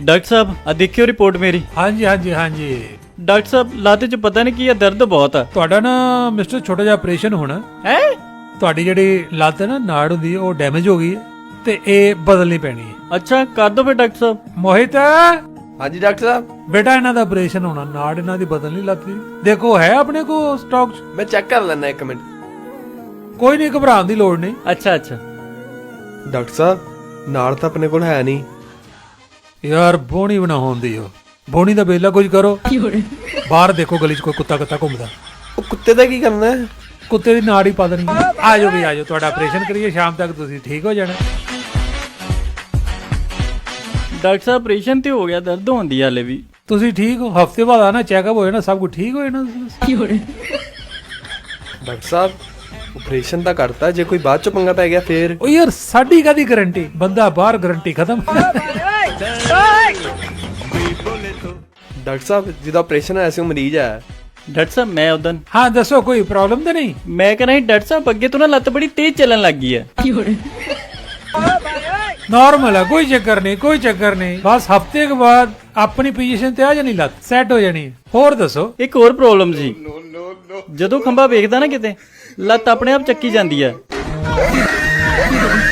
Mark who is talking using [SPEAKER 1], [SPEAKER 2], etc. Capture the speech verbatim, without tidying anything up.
[SPEAKER 1] Doctor साहब आ देखियो report मेरी।
[SPEAKER 2] हाँ जी हाँ जी हाँ जी।
[SPEAKER 1] डॉक्टर साहब लाते च पता नहीं की दर्द बहुत है।
[SPEAKER 2] ਤੁਹਾਡਾ ਨਾ ਮਿਸਟਰ ਛੋਟਾ ਜਿਹਾ ਆਪਰੇਸ਼ਨ ਹੋਣਾ
[SPEAKER 1] है
[SPEAKER 2] ਤੁਹਾਡੀ ਜਿਹੜੀ ਲੱਤ ਹੈ ਨਾ ਨਾੜ ਹੁੰਦੀ ਹੈ ਉਹ ਡੈਮੇਜ ਹੋ ਗਈ ਹੈ ਤੇ ਇਹ ਬਦਲਣੀ ਪੈਣੀ ਹੈ।
[SPEAKER 1] अच्छा कर दो फिर डॉक्टर साहब।
[SPEAKER 2] ਮੋਹਿਤ
[SPEAKER 3] हाँ जी डॉक्टर साहब,
[SPEAKER 2] ਬੇਟਾ ਇਹਨਾਂ ਦਾ ਆਪਰੇਸ਼ਨ ਹੋਣਾ, ਨਾੜ ਇਹਨਾਂ ਦੀ ਬਦਲਣੀ ਲੱਤ ਦੀ। ਦੇਖੋ ਹੈ ਆਪਣੇ ਕੋ ਸਟਾਕ ਚ?
[SPEAKER 3] मैं चेक कर लेना एक मिनट।
[SPEAKER 2] ਕੋਈ ਨਹੀਂ, ਘਬਰਾਉਣ ਦੀ ਲੋੜ ਨਹੀਂ।
[SPEAKER 1] अच्छा अच्छा
[SPEAKER 3] डॉक्टर साहब नाड़ तो अपने को है नहीं।
[SPEAKER 2] ਯਾਰ ਬੋਣੀ ਬਣਾ ਹੁੰਦੀ ਹੋ, ਬੋਣੀ ਦਾ ਬੇਲਾ ਕੁਝ ਕਰੋ। ਬਾਹਰ ਦੇਖੋ ਗਲੀ ਚ ਕੋਈ ਕੁੱਤਾ ਕੁੱਤਾ ਘੁੰਮਦਾ,
[SPEAKER 3] वो कुत्ते का की करना है?
[SPEAKER 2] ਕੁੱਤੇ ਦੀ ਨਾੜ ਹੀ ਪਾ ਦੇਣੀ। ਆ ਜਾਓ ਵੀ ਆ ਜਾਓ, ਤੁਹਾਡਾ ਆਪਰੇਸ਼ਨ ਕਰੀਏ, ਸ਼ਾਮ ਤੱਕ ਤੁਸੀਂ ਠੀਕ ਹੋ ਜਾਣਾ।
[SPEAKER 1] डॉक्टर साहब ऑपरेशन तो हो गया, दर्द होती है हाले भी।
[SPEAKER 2] ਤੁਸੀਂ ਠੀਕ ਹੋ, ਹਫਤੇ ਬਾਅਦ ਆਣਾ, ਚੈੱਕਅਪ ਹੋ ਜਾਣਾ, ਸਭ ਕੁਝ ਠੀਕ ਹੋ ਜਾਣਾ।
[SPEAKER 3] डॉक्टर साहब ऑपरेशन तो करता, जे कोई बाद चो पंगा पै गया फिर?
[SPEAKER 2] ਉਹ ਯਾਰ ਸਾਡੀ ਕਾਦੀ ਗਾਰੰਟੀ, ਬੰਦਾ ਬਾਹਰ ਗਾਰੰਟੀ ਖਤਮ।
[SPEAKER 3] डॉक्टर साहब जिदा ऑपरेशन है ऐसे मरीज है।
[SPEAKER 1] डॉक्टर साहब मैं उदन
[SPEAKER 2] ਹਾਂ ਦੱਸੋ, ਕੋਈ ਪ੍ਰੋਬਲਮ ਤਾਂ ਨਹੀਂ?
[SPEAKER 1] मैं कह रहा डॉक्टर साहब अगे तो ना लत बड़ी तेज चलन लग गई है।
[SPEAKER 2] ਨਾਰਮਲ ਹੈ, ਕੋਈ ਚੱਕਰ ਨਹੀਂ, ਕੋਈ ਚੱਕਰ ਨਹੀਂ। ਬਸ ਹਫਤੇ ਕੇ ਬਾਅਦ ਆਪਣੀ ਪੋਜੀਸ਼ਨ ਤੇ ਆ ਜਾਣੀ, ਲੱਤ ਸੈੱਟ ਹੋ ਜਾਣੀ। ਹੋਰ ਦੱਸੋ।
[SPEAKER 1] एक और प्रॉब्लम जी, ਜਦੋਂ ਖੰਭਾ ਵੇਖਦਾ ਨਾ ਕਿਤੇ ਲੱਤ ਆਪਣੇ ਆਪ ਚੱਕੀ ਜਾਂਦੀ ਹੈ।